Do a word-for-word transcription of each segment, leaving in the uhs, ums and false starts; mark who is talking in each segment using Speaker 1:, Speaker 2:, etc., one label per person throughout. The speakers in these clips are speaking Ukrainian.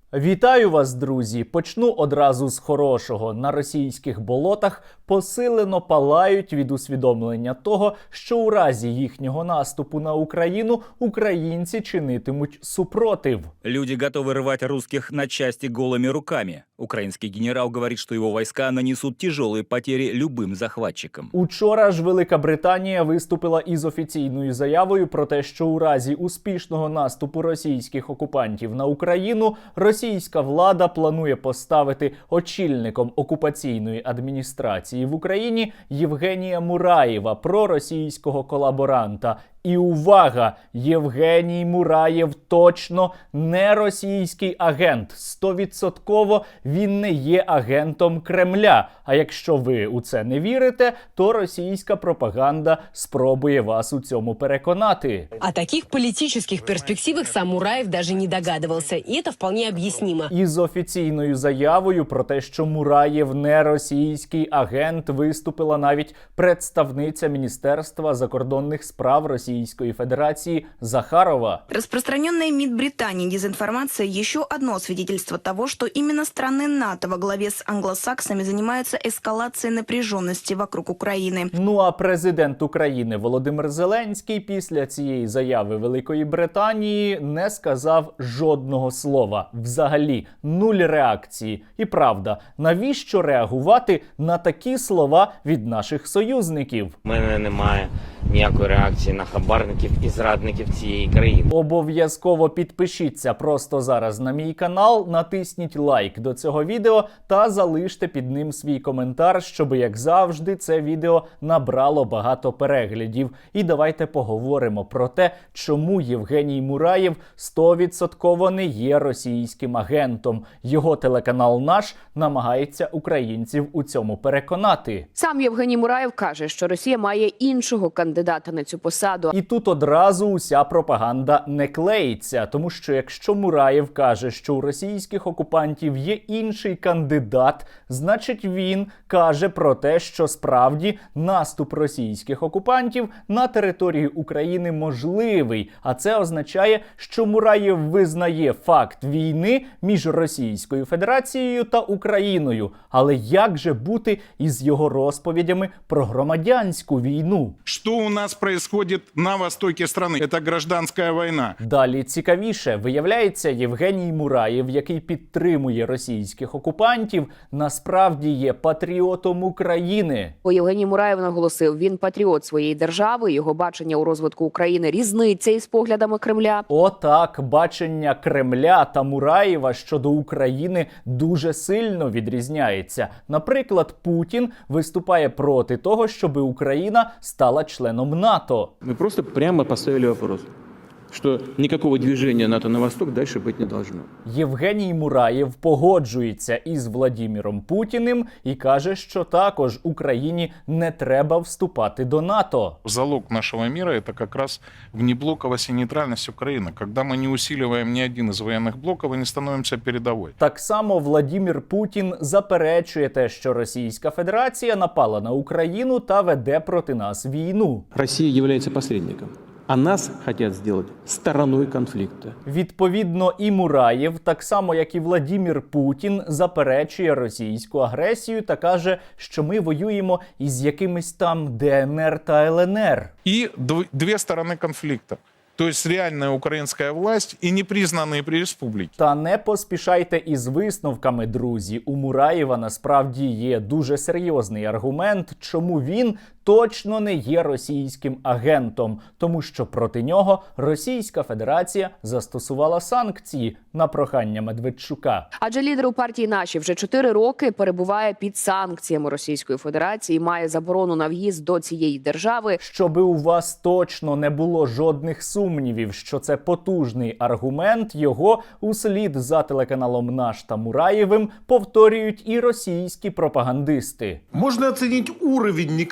Speaker 1: Вітаю вас, друзі! Почну одразу з хорошого. На російських болотах посилено палають від усвідомлення того, що у разі їхнього наступу на Україну українці чинитимуть супротив.
Speaker 2: Люди готовы рвать русских на части голыми руками. Украинский генерал говорит, что его войска нанесут тяжелые потери любым захватчикам.
Speaker 1: Учора ж Велика Британія виступила із офіційною заявою про те, що у разі успішного наступу російських окупантів на Україну російська влада планує поставити очільником окупаційної адміністрації в Україні Євгенія Мураєва, проросійського колаборанта. І увага! Євгеній Мураєв точно не російський агент. Стовідсотково він не є агентом Кремля. А якщо ви у це не вірите, то російська пропаганда спробує вас у цьому переконати.
Speaker 3: О таких политических перспективах сам Мураев даже не догадывался, и это вполне объяснимо.
Speaker 1: Із офіційною заявою про те, що Мураєв не російський агент, виступила навіть представниця Міністерства закордонних справ Російської Федерації Захарова.
Speaker 4: Распространенная МИД Британии дезинформация – еще одно свидетельство того, что именно страны НАТО во главе с англосаксами занимаются эскалацией напряженности вокруг Украины.
Speaker 1: Ну а президент України Володимир Зеленський після цієї заяви Великої Британії не сказав жодного слова. Взагалі, нуль реакції. І правда, навіщо реагувати на такі слова від наших союзників?
Speaker 5: У мене немає ніякої реакції на хабарників і зрадників цієї країни.
Speaker 1: Обов'язково підпишіться просто зараз на мій канал, натисніть лайк до цього відео та залиште під ним свій коментар, щоб, як завжди, це відео набрало багато переглядів. І давайте поговоримо про те, чому Євгеній Мураєв стовідсотково не є російським агентом. Його телеканал «Наш» намагається українців у цьому переконати.
Speaker 6: Сам Євгеній Мураєв каже, що Росія має іншого кандидата на цю посаду.
Speaker 1: І тут одразу уся пропаганда не клеїться, тому що якщо Мураєв каже, що у російських окупантів є інший кандидат, значить він каже про те, що справді наступ російських окупантів на територію України можливий. А це означає, що Мураєв визнає факт війни між Російською Федерацією та Україною. Але як же бути із його розповідями про громадянську війну?
Speaker 7: Что у нас происходит на востоке страны? Это гражданская война.
Speaker 1: Далі цікавіше. Виявляється, Євгеній Мураєв, який підтримує російських окупантів, насправді є патріотом України.
Speaker 6: Бо Євгеній Мураєв наголосив, він патріот своєї держави, його бачення у розвитку України різниця із поглядами Кремля.
Speaker 1: Отак, бачення Кремля та Мураєва щодо України дуже сильно відрізняється. Наприклад, Путін виступає проти того, щоб Україна стала членом НАТО.
Speaker 8: Мы просто прямо поставили вопрос, что никакого движения НАТО на восток дальше быть не должно.
Speaker 1: Євгеній Мураєв погоджується із Владіміром Путіним і каже, що також Україні не треба вступати до НАТО.
Speaker 7: Залог нашего мира – это как раз внеблоковость и нейтральность Украины. Когда мы не усиливаем ни один из военных блоков и не становимся передовой.
Speaker 1: Так само Владімір Путін заперечує те, що Російська Федерація напала на Україну та веде проти нас війну.
Speaker 8: Россия является посредником, а нас хотят сделать стороной конфликта.
Speaker 1: Відповідно, і Мураєв, так само як і Владімір Путін, заперечує російську агресію та каже, що ми воюємо із якимись там Де Ен Ер та Ел Ен Ер.
Speaker 7: И дв- две стороны конфликта. То есть реальная украинская власть и непризнанные при республике.
Speaker 1: Та не поспішайте із висновками, друзі. У Мураєва насправді є дуже серйозний аргумент, чому він точно не є російським агентом. Тому що проти нього Російська Федерація застосувала санкції на прохання Медведчука.
Speaker 6: Адже лідер у партії «Наші» вже чотири роки перебуває під санкціями Російської Федерації і має заборону на в'їзд до цієї держави.
Speaker 1: Щоби у вас точно не було жодних сумнівів, що це потужний аргумент, його услід за телеканалом «Наш» та Мураєвим повторюють і російські пропагандисти.
Speaker 9: Можно оценить уровень некомпетентности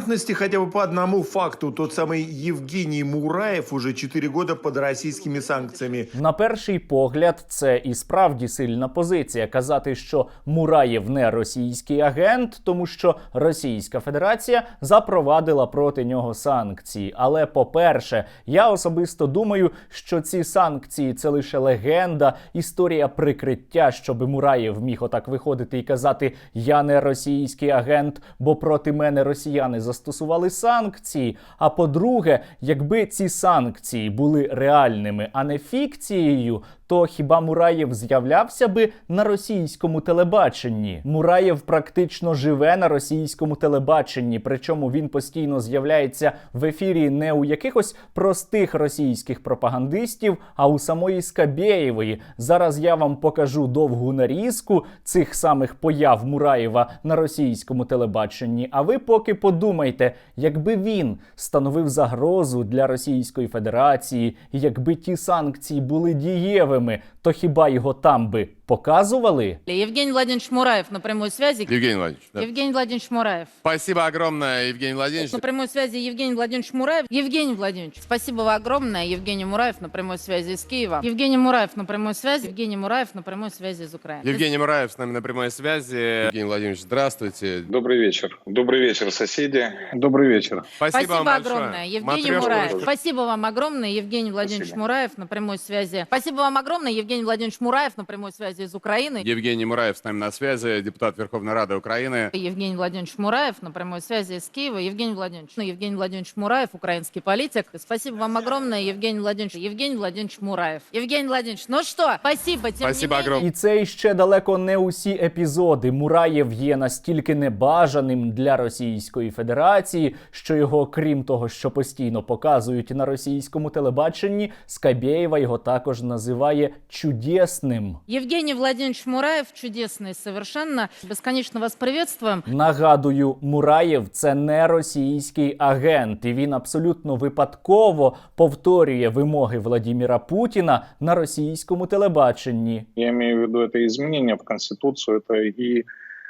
Speaker 9: пикантности хотя бы по одному факту. Тот самый Евгений Мураев уже четыре года под российскими санкциями.
Speaker 1: На перший погляд, це і справді сильна позиція казати, що Мураєв не російський агент, тому що Російська Федерація запровадила проти нього санкції. Але, по-перше, я особисто думаю, що ці санкції – це лише легенда, історія прикриття, щоб Мураєв міг отак виходити і казати «я не російський агент, бо проти мене росіяни застосували санкції». А по-друге, якби ці санкції були реальними, а не фікцією, то хіба Мураєв з'являвся би на російському телебаченні? Мураєв практично живе на російському телебаченні, причому він постійно з'являється в ефірі не у якихось простих російських пропагандистів, а у самої Скабєєвої. Зараз я вам покажу довгу нарізку цих самих появ Мураєва на російському телебаченні, а ви поки подумайте, якби він становив загрозу для Російської Федерації, і якби ті санкції були дієвими, то хіба його там би показували?
Speaker 10: Евгений Владимирович Мураев на прямой связи.
Speaker 11: Евгений Владимирович. Да.
Speaker 10: Евгений Владимирович Мураев.
Speaker 11: Спасибо огромное, Евгений Владимирович.
Speaker 10: На прямой связи Евгений Владимирович Мураев. Евгений Владимирович, спасибо огромное. Евгений Мураев на прямой связи из Киева. Евгений Мураев на прямой связи. Евгений Мураев на прямой связи из Украины.
Speaker 11: Евгений Мураев с нами на прямой связи. Евгений Владимирович, здравствуйте.
Speaker 12: Добрый вечер. Добрый вечер, соседи. Добрый вечер.
Speaker 11: Спасибо,
Speaker 10: спасибо
Speaker 11: вам
Speaker 10: огромное, Евгений
Speaker 11: Матрешка.
Speaker 10: Мураев. Спасибо вам огромное, Евгений Владимирович
Speaker 12: Спасибо.
Speaker 10: Мураев на прямой связи. Спасибо вам огромное, Евгений Владимирович Мураев на прямой связи из Украины.
Speaker 11: Евгений Мураев с нами на связи, депутат Верховной Рады Украины.
Speaker 10: Евгений Владимирович Мураев на прямой связи из Киева. Евгений Владимирович, ну, Евгений Владимирович Мураев, украинский политик. Спасибо вам огромное, Евгений Владимирович. Евгений Владимирович Мураев. Евгений Владимирович, ну что, спасибо, тем
Speaker 11: Спасибо
Speaker 10: не менее.
Speaker 11: огромное.
Speaker 1: І це ще далеко не усі епізоди. Мураєв є настільки небажаним для Російської Федерації, що його, крім того, що постійно показують на російському телебаченні, Скабєєва його також називає чудесним.
Speaker 10: Евгений Владимирович Мураев, чудесный совершенно. Бесконечно вас приветствуем.
Speaker 1: Нагадую, Мураєв – це не російський агент, і він абсолютно випадково повторює вимоги Владимира Путіна на російському телебаченні.
Speaker 12: Я имею в виду это изменение в Конституцию, это и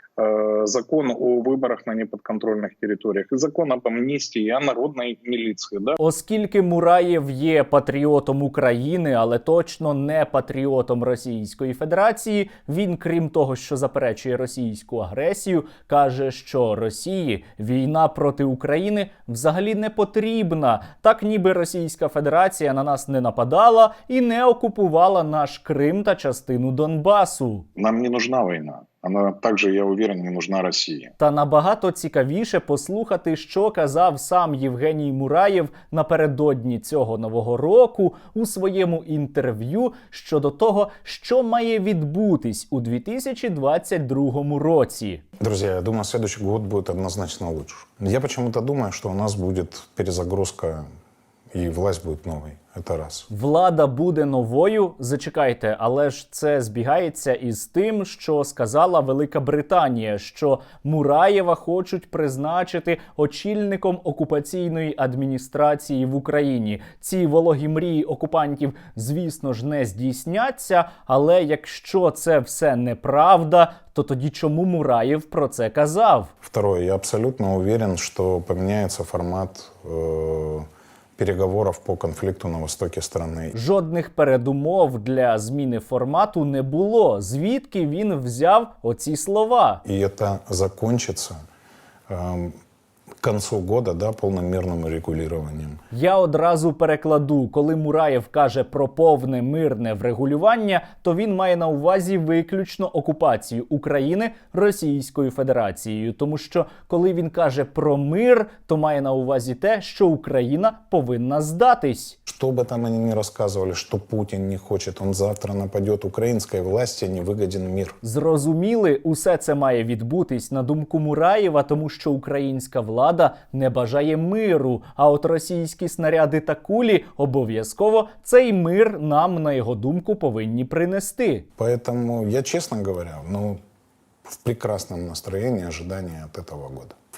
Speaker 12: э, закон о выборах на неподконтрольных территориях, и закон об амнистии, и о народной милиции. Да?
Speaker 1: Оскільки Мураєв є патріотом України, але точно не патріотом Російської Федерації, він, крім того, що заперечує російську агресію, каже, що Росії війна проти України взагалі не потрібна. Так ніби Російська Федерація на нас не нападала і не окупувала наш Крим та частину Донбасу.
Speaker 12: Нам не нужна война. Она также, я уверен, не нужна России.
Speaker 1: Та набагато цікавіше послухати, що казав сам Євгеній Мураєв напередодні цього Нового року у своєму інтерв'ю щодо того, що має відбутись у дві тисячі двадцять другому році.
Speaker 13: Друзья, я думаю, следующий год будет однозначно лучше. Я почему-то думаю, что у нас будет перезагрузка и власть будет новой. Это раз.
Speaker 1: Влада буде новою? Зачекайте, але ж це збігається із тим, що сказала Велика Британія, що Мураєва хочуть призначити очільником окупаційної адміністрації в Україні. Ці вологі мрії окупантів, звісно ж, не здійсняться, але якщо це все неправда, то тоді чому Мураєв про це казав?
Speaker 13: Второе, я абсолютно уверен, что поменяется формат э, переговоров по конфликту на востоке страны.
Speaker 1: Жодних передумов для зміни формату не було. Звідки він взяв оці слова?
Speaker 13: И это закончится э, к концу года, да, полным мирным регулированием.
Speaker 1: Я одразу перекладу. Коли Мураєв каже про повне мирне врегулювання, то він має на увазі виключно окупацію України Російською Федерацією. Тому що коли він каже про мир, то має на увазі те, що Україна повинна здатись.
Speaker 13: Что бы там они ни рассказывали, что Путин не хочет, он завтра нападет, украинской власти не выгоден мир.
Speaker 1: Зрозуміли, усе це має відбутись, на думку Мураєва, тому що українська влада не бажає миру, а от російські снаряди та кулі обов'язково цей мир нам, на його думку, повинні принести.
Speaker 13: Поэтому я, честно говоря, ну, в прекрасном настроении ожидания от этого года. В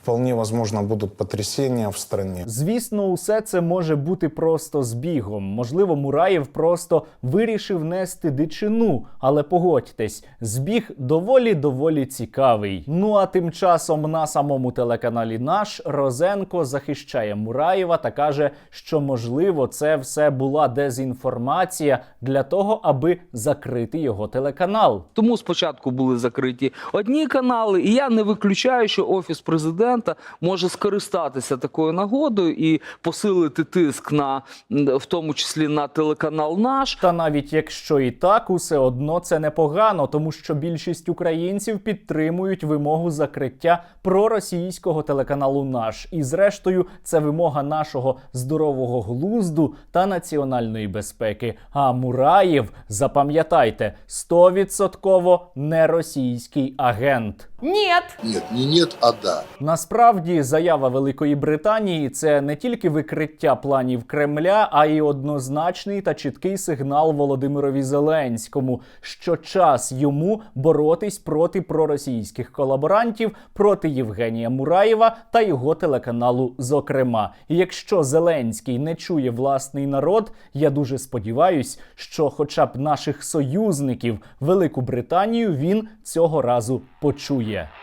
Speaker 13: Вполне возможно, будут потрясения в стране.
Speaker 1: Звісно, усе це може бути просто збігом. Можливо, Мураєв просто вирішив нести дичину. Але погодьтесь, збіг доволі-доволі цікавий. Ну а тим часом на самому телеканалі «Наш» Розенко захищає Мураєва та каже, що, можливо, це все була дезінформація для того, аби закрити його телеканал.
Speaker 14: Тому спочатку були закриті одні канали, і я не виключаю, що Офіс президента може скористатися такою нагодою і посилити тиск на, в тому числі на телеканал «Наш».
Speaker 1: Та навіть якщо і так, усе одно це непогано, тому що більшість українців підтримують вимогу закриття проросійського телеканалу «Наш». І зрештою, це вимога нашого здорового глузду та національної безпеки. А Мураєв, запам'ятайте, стовідсотково не російський агент.
Speaker 15: Нет.
Speaker 16: Нет, не нет, а да.
Speaker 1: Насправді, заява Великої Британії – це не тільки викриття планів Кремля, а й однозначний та чіткий сигнал Володимирові Зеленському, що час йому боротись проти проросійських колаборантів, проти Євгенія Мураєва та його телеканалу зокрема. І якщо Зеленський не чує власний народ, я дуже сподіваюсь, що хоча б наших союзників Велику Британію він цього разу почує.